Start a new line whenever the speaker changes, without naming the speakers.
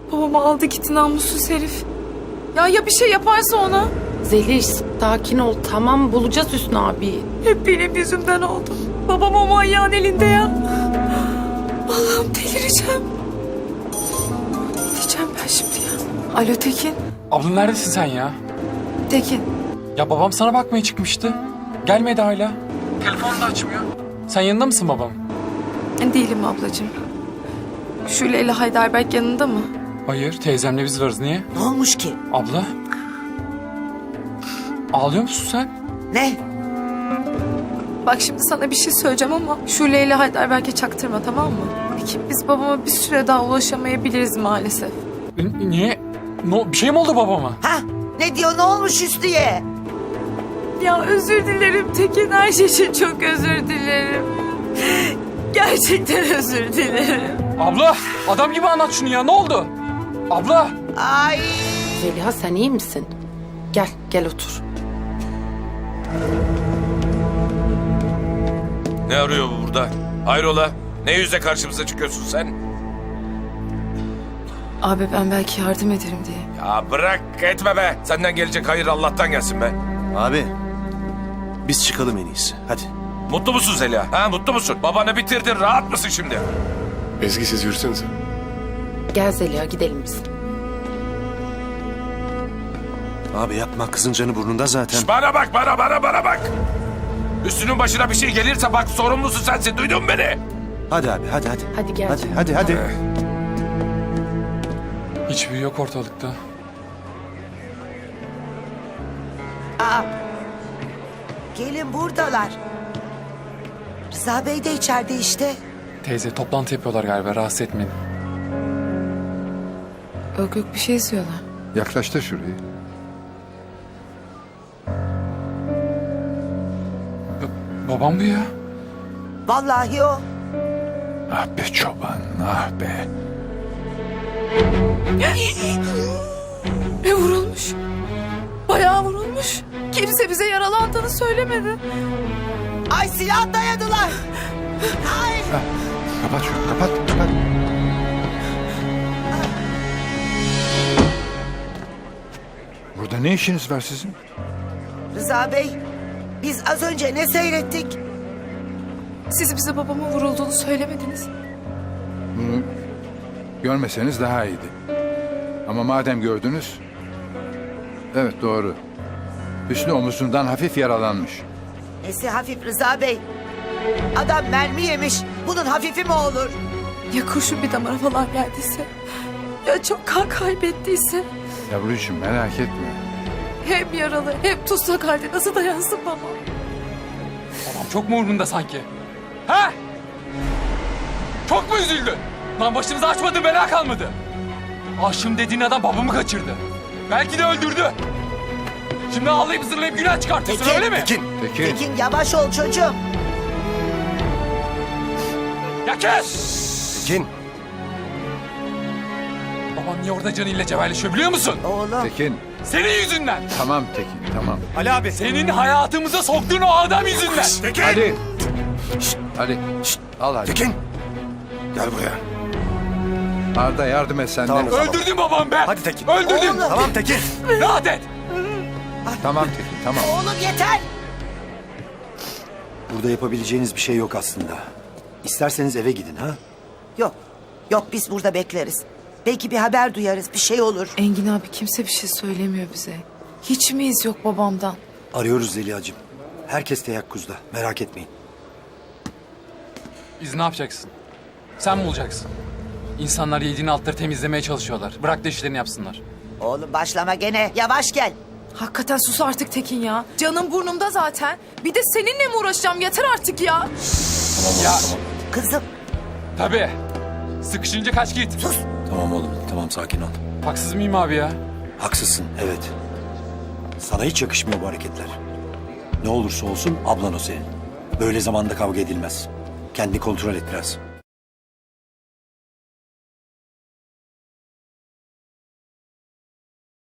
Babamı aldı gitti namussuz herif. Ya bir şey yaparsa ona?
Zeliş sakin ol, tamam, bulacağız Hüsnü abi.
Hep benim yüzümden oldu. Babam o manyağın elinde ya. Allah'ım delireceğim. Ne diyeceğim ben şimdi ya? Alo Tekin.
Abla neredesin sen ya?
Tekin.
Ya babam sana bakmaya çıkmıştı. Gelmedi hala. Telefonu da açmıyor. Sen yanında mısın babam?
Değilim ablacığım. Şule ile Heidelberg yanında mı?
Hayır, teyzemle biz varız. Niye?
Ne olmuş ki?
Abla? Ağlıyor musun sen?
Ne?
Bak şimdi sana bir şey söyleyeceğim ama Şule ile Heidelberg'e çaktırma, tamam mı? Peki biz babama bir süre daha ulaşamayabiliriz maalesef.
Niye? Bir şey mi oldu babama?
Ha? Ne diyor, ne olmuş Hüsnü'ye?
Ya özür dilerim Tekin, her şey için çok özür dilerim. Gerçekten özür dilerim.
Abla, adam gibi anlat şunu ya. Ne oldu? Abla!
Ay!
Zeliha sen iyi misin? Gel otur.
Ne arıyor bu burada? Hayrola? Ne yüzle karşımıza çıkıyorsun sen?
Abi ben belki yardım ederim diye.
Ya bırak etme be. Senden gelecek hayır Allah'tan gelsin be.
Abi, biz çıkalım en iyisi. Hadi.
Mutlu musun Zeliha? Ha, mutlu musun? Babanı bitirdin. Rahat mısın şimdi?
Ezgi siz yürüsenize.
Gel Zeliha gidelim biz.
Abi yapma, kızın canı burnunda zaten.
Bana bak, bana bak. Üstünün başına bir şey gelirse bak sorumlusu sensin. Duydun mu beni?
Hadi abi, hadi.
Hadi gel.
Hadi.
Hiçbir yok ortalıkta.
Gelin buradalar. Rıza Bey de içeride işte.
Teyze toplantı yapıyorlar galiba. Rahatsız etmeyin.
Yok bir şey istiyorlar.
Yaklaş da şurayı.
Babam bu ya.
Vallahi o.
Ah be çoban, ah be.
Vurulmuş. Bayağı vurulmuş. Kimse bize yaralandığını söylemedi.
Ay silah dayadılar. Ay!
Kapat şunu, kapat. Burada ne işiniz var sizin?
Rıza Bey, biz az önce ne seyrettik?
Siz bize babamın vurulduğunu söylemediniz.
Bunu görmeseniz daha iyiydi. Ama madem gördünüz... Evet doğru. Hüsnü omuzundan hafif yaralanmış.
Nesi hafif Rıza Bey? Adam mermi yemiş. Bunun hafifi mi olur?
Ya kurşun bir damara falan geldiyse? Ya çok kan kaybettiyse?
Yavrucuğum merak etme.
Hem yaralı hem tutsak halde nasıl dayansın baba?
Babam çok mu umurunda sanki? Ha? Çok mu üzüldün? Lan başımıza açmadığın bela kalmadı. Aşığım dediğin adam babamı kaçırdı. Belki de öldürdü. Şimdi ağlayıp zırlayıp günah çıkartıyorsun
Tekin,
öyle mi?
Tekin.
Tekin yavaş ol çocuğum.
Ya kes!
Tekin.
Baban niye orada canıyla cebelleşiyor biliyor musun?
Oğlum.
Tekin.
Senin yüzünden.
Tamam Tekin, tamam.
Ali abi. Senin hayatımıza soktuğun o adam yüzünden.
Hadi. Hadi. Al hadi.
Tekin. Gel buraya.
Arda yardım et sen de.
Öldürdün babam be.
Hadi Tekin.
Öldürdün.
Oğlum.
Tamam Tekin.
Rahat et.
Tamam Tekin, tamam.
Oğlum yeter.
Burada yapabileceğiniz bir şey yok aslında. İsterseniz eve gidin ha?
Yok biz burada bekleriz. Belki bir haber duyarız, bir şey olur.
Engin abi kimse bir şey söylemiyor bize. Hiç mi iz yok babamdan?
Arıyoruz Zeliha'cığım. Herkes teyakkuzda, merak etmeyin.
Biz ne yapacaksın? Sen mi olacaksın? İnsanlar yediğin altları temizlemeye çalışıyorlar. Bırak da işlerini yapsınlar.
Oğlum başlama gene. Yavaş gel.
Hakikaten sus artık Tekin ya. Canım burnumda zaten. Bir de seninle mi uğraşacağım? Yeter artık ya.
Ya
Kızım
tabii. Sıkışınca kaç git.
Tamam oğlum, tamam sakin ol.
Haksız mıyım abi ya?
Haksızsın, evet. Sana hiç yakışmıyor bu hareketler. Ne olursa olsun ablan o senin. Böyle zamanda kavga edilmez. Kendini kontrol et biraz.